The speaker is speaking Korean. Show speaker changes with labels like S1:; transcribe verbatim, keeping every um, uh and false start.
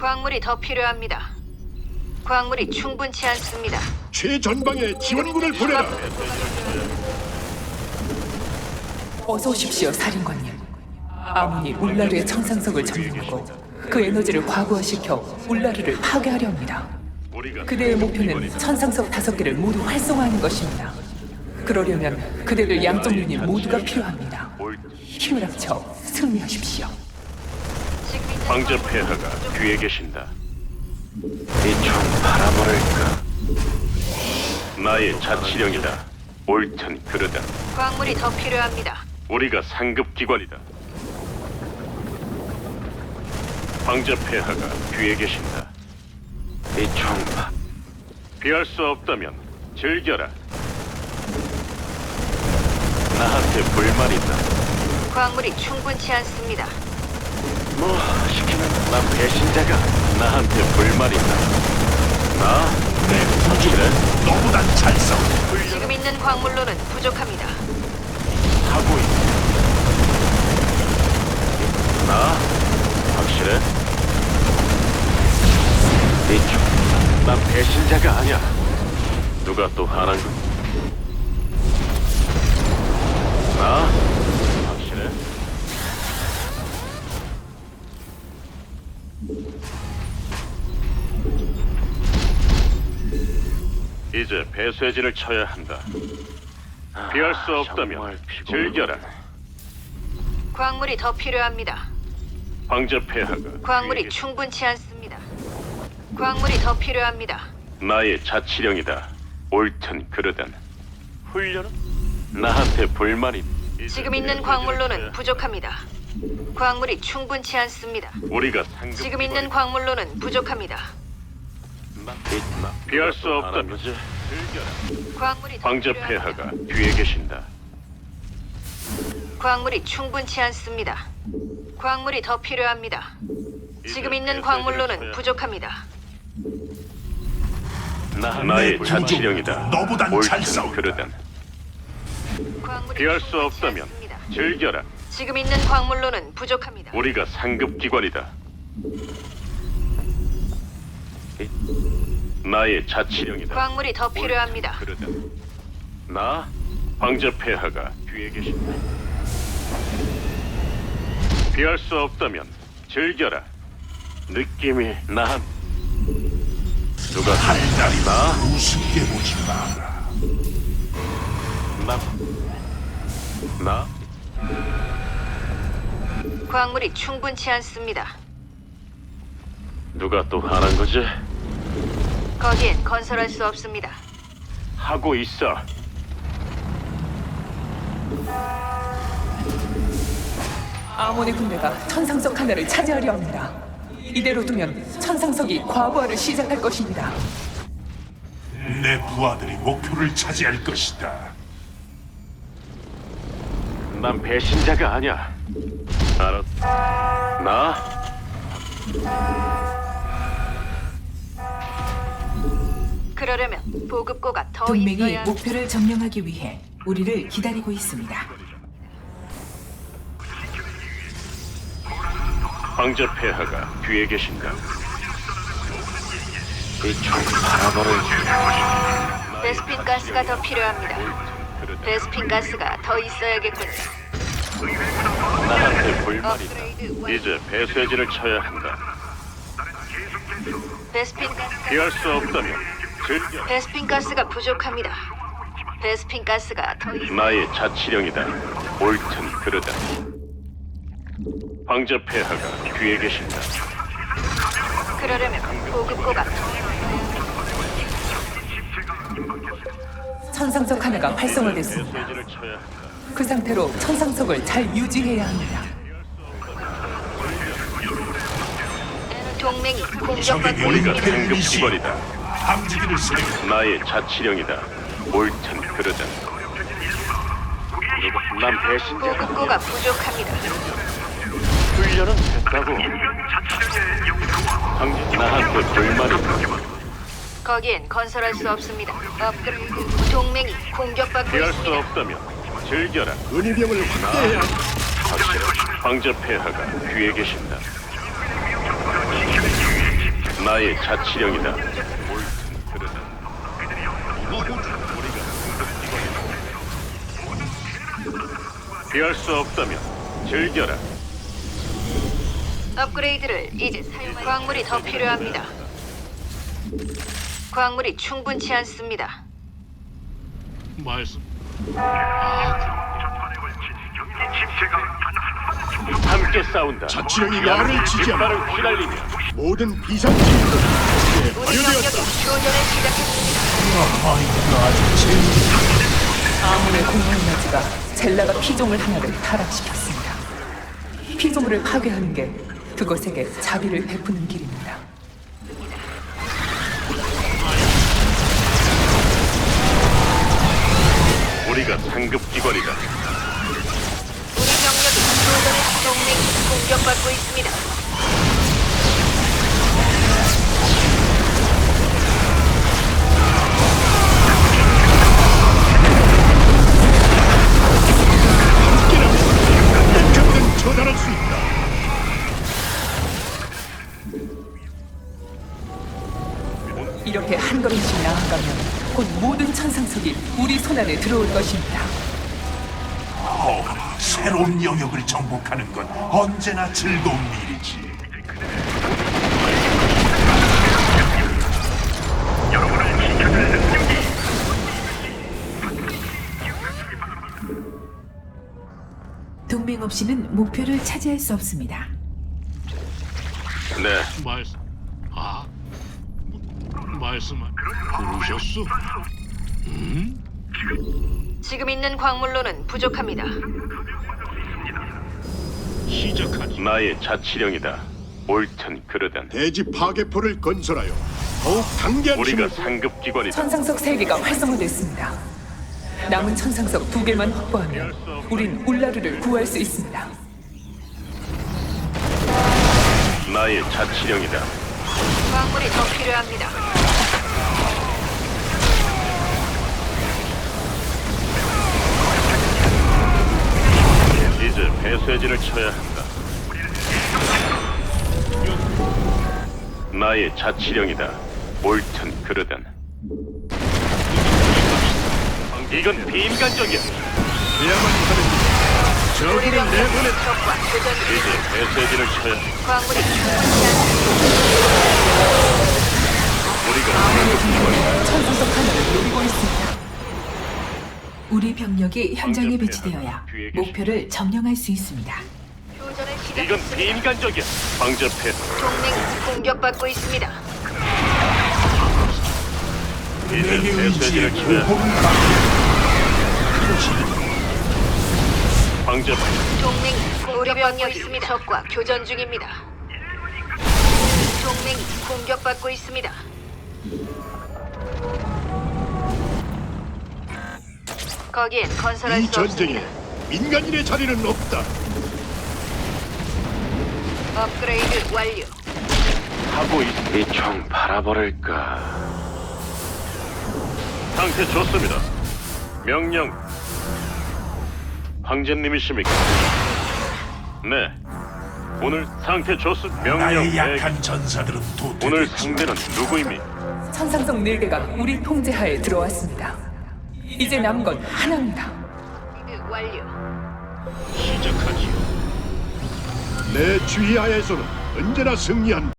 S1: 광물이 더 필요합니다. 광물이 충분치 않습니다.
S2: 최전방에 지원군을 보내라.
S3: 어서 오십시오, 사령관님. 아몬이 울라르의 천상석을 점령하고 그 에너지를 과부하시켜 울라르를 파괴하려 합니다. 그대의 목표는 천상석 다섯 개를 모두 활성화하는 것입니다. 그러려면 그대들 양쪽 유닛 모두가 필요합니다. 힘을 합쳐 승리하십시오.
S1: 지금 있는
S4: 황제 폐하가 뒤에 계신다. 이 총 바라버릴까? 나의 자치령이다. 옳든 그르든
S1: 광물이 더 필요합니다.
S4: 우리가 상급 기관이다. 황제 폐하가 뒤에 계신다. 이 총 바... 피할 수 없다면 즐겨라. 나한테 불만 있다.
S1: 광물이 충분치 않습니다.
S4: 뭐 시키면 나 배신자가 나한테 불만 있다. 나? 내 확실해?
S2: 너보단 잘 싸워.
S1: 지금 있는 광물로는 부족합니다.
S4: 하고 있다. 나? 확실해? 이쪽, 난 배신자가 아니야. 누가 또 하는 거? 나? 확실해? 이제 배쇄진을 쳐야 한다. 피할 수 없다면 즐겨라.
S1: 광물이 더 필요합니다.
S4: 황제 폐하가
S1: 광물이
S4: 뒤에
S1: 충분치 않습니다. 광물이 더 필요합니다.
S4: 나의 자치령이다. 옳든 그르든 훈련은 나한테 불만이.
S1: 지금 있는 광물로는 부족합니다. 광물이 충분치 않습니다.
S4: 우리가 상급
S1: 지금 있는 광물로는 부족합니다.
S4: 피할 수 없다면 즐겨라.
S1: 광물이 더
S4: 황제
S1: 필요합니다.
S4: 폐하가 뒤에 계신다.
S1: 광물이 충분치 않습니다. 광물이 더 필요합니다. 지금 있는 광물로는 부족합니다.
S4: 나, 나의
S2: 내
S4: 자치령이다.
S2: 너보단 잘
S4: 옳든
S2: 싸운다.
S4: 그르든
S1: 광물이
S4: 피할 수
S1: 충분치
S4: 없다면
S1: 않습니다.
S4: 즐겨라.
S1: 지금 있는 광물로는 부족합니다.
S4: 우리가 상급 기관이다. 나의 자치령이다.
S1: 광물이 더 필요합니다.
S4: 그러든 나 황제 폐하가 뒤에 계신다. 피할 수 없다면 즐겨라. 느낌이 나한 누가
S2: 달달이
S4: 나?
S2: 우습게 보지 마라.
S4: 나? 나?
S1: 광물이 충분치 않습니다.
S4: 누가 또 하는 거지?
S1: 거기엔 건설할 수 없습니다.
S4: 하고 있어.
S3: 아몬의 군대가 천상석 하나를 차지하려 합니다. 이대로 두면 천상석이 과부하를 시작할 것입니다.
S2: 내 부하들이 목표를 차지할 것이다.
S4: 난 배신자가 아니야. 알았? 나?
S1: 그러려면 보급고가 더
S5: 동맹이
S1: 있어야
S5: 목표를 점령하기 위해 우리를 기다리고 있습니다.
S4: 황제 폐하가 뒤에 계신다. 이총 바라버릴.
S1: 베스핀 가스가 더 필요합니다. 베스핀 가스가 더 있어야겠군요.
S4: 나한테 불만이 있다.
S1: 업그레이드 완.
S4: 이제 배쇄진을 쳐야 한다.
S1: 베스핀 가스가
S4: 피할 수 없다면 즐겨.
S1: 베스핀 가스가 부족합니다. 베스핀 가스가 더 있...
S4: 나의 자치령이다. 옳든 그르든 황제 폐하가 뒤에 계신다.
S1: 그러려면 보급고가 더
S3: 천상석 하나가 활성화됐습니다.
S4: 배쇄진을 쳐야 한다.
S3: 그 상태로 천상석을 잘 유지해야 합니다.
S1: 동맹이
S2: 적의
S1: 공격받고
S4: 우리가
S1: 있습니다.
S2: 용패를
S4: 상급
S2: 이시
S4: 기관이다.
S2: 함지기를 세우고
S4: 나의 자치령이다. 옳든 그르든 난 배신자.
S1: 보급고가 부족합니다.
S4: 훈련은 됐다고. 황제 나한테 불만이 있다.
S1: 거기엔 건설할 수 없습니다. 업그레이드 동맹이 공격받고
S4: 피할 수
S1: 있습니다.
S4: 없다면 즐겨라.
S2: 은희병을 확대해야 한다.
S4: 확실해. 황제 폐하가 뒤에 계신다. 나의 자치령이다. 옳든 그르든. 피할 수 없다면 즐겨라.
S1: 업그레이드를 이제 사용할 광물이 더 필요합니다. 광물이 충분치 않습니다.
S2: 말씀.
S4: 함께 싸운다.
S2: 자치령이 나를 지지하라.
S4: 깃발을 휘날리며
S2: 모든 비상징후는 이제
S1: 우리 병력이
S2: 완료되었다.
S1: 교전을 시작했습니다.
S2: 아, 이거 아주 재밌다.
S3: 아몬의 공허 에너지가 젤라가 피조물 하나를 타락시켰습니다. 피조물을 파괴하는 게 그것에게 자비를 베푸는 길입니다.
S4: 우리가 상급 기관이다.
S1: 우리 병력이 교전의 동맹이 공격받고 있습니다.
S2: 언제든 처단할 수 있다.
S3: 이렇게 한 걸음씩 나아가면 곧 모든 천상석이 우리 손안에 들어올 것입니다.
S2: 어, 새로운 영역을 정복하는 건 언제나 즐거운 일이지.
S5: 동맹 없이는 목표를 차지할 수 없습니다.
S4: 네,
S6: 말씀. 아, 말씀. 부르셨소?
S1: 지금 있는 광물로는 부족합니다.
S6: 시작하지.
S4: 나의 자치령이다. 옳든 그르든.
S2: 대지 파괴포를 건설하여 더욱 강대한
S4: 우리가
S2: 힘을
S4: 상급 기관이다.
S3: 천상석 세 개가 활성화됐습니다. 남은 천상석 두 개만 확보하면 우린 울라르를 구할 수 있습니다.
S4: 나의 자치령이다.
S1: 광물이 더 필요합니다.
S4: 이제 배쇄진을 쳐야 한다. 나의 자치령이다. 옳든 그르든. 이건 비인간적이야.
S1: 우리 병력이 적과 교전 중.
S4: 이제 배쇄진을 쳐야 한다.
S1: 광물이 충분치 않습니다.
S4: 우리가 상급 기관이다.
S3: 천상석 하나를 노리고 있습니다.
S5: 우리 병력이 현장에 배치되어야 목표를 점령할 수 있습니다.
S1: 교전을
S4: 이건
S1: 시작했습니다.
S4: 비인간적이야. 방접해.
S1: 동맹이 공격받고 있습니다.
S4: 이제
S2: 내게 의지의
S4: 배쇄진을 쳐야 한다.
S2: 보호를 받고
S4: 방접해.
S1: 동맹이 우리 병력이 있습니다. 적과 교전 중입니다. 동맹이 공격받고 있습니다. 거기엔 건설할
S2: 이
S1: 수
S2: 전쟁에
S1: 없습니다.
S2: 민간인의 자리는 없다.
S1: 업그레이드 완료.
S4: 하고 있. 이총 바라버릴까. 상태 좋습니다. 명령. 황제님이십니까? 네. 오늘 상태 좋습니다. 명령.
S2: 나의
S4: 대기.
S2: 약한 전사들은
S4: 오늘
S2: 도태됐지.
S4: 상대는 누구입니까?
S3: 천상석 네 개가 우리 통제하에 들어왔습니다. 이제 남은 건 하나입니다.
S1: 업그레이드 완료.
S6: 시작하지요.
S2: 내 주의하에서는 언제나 승리한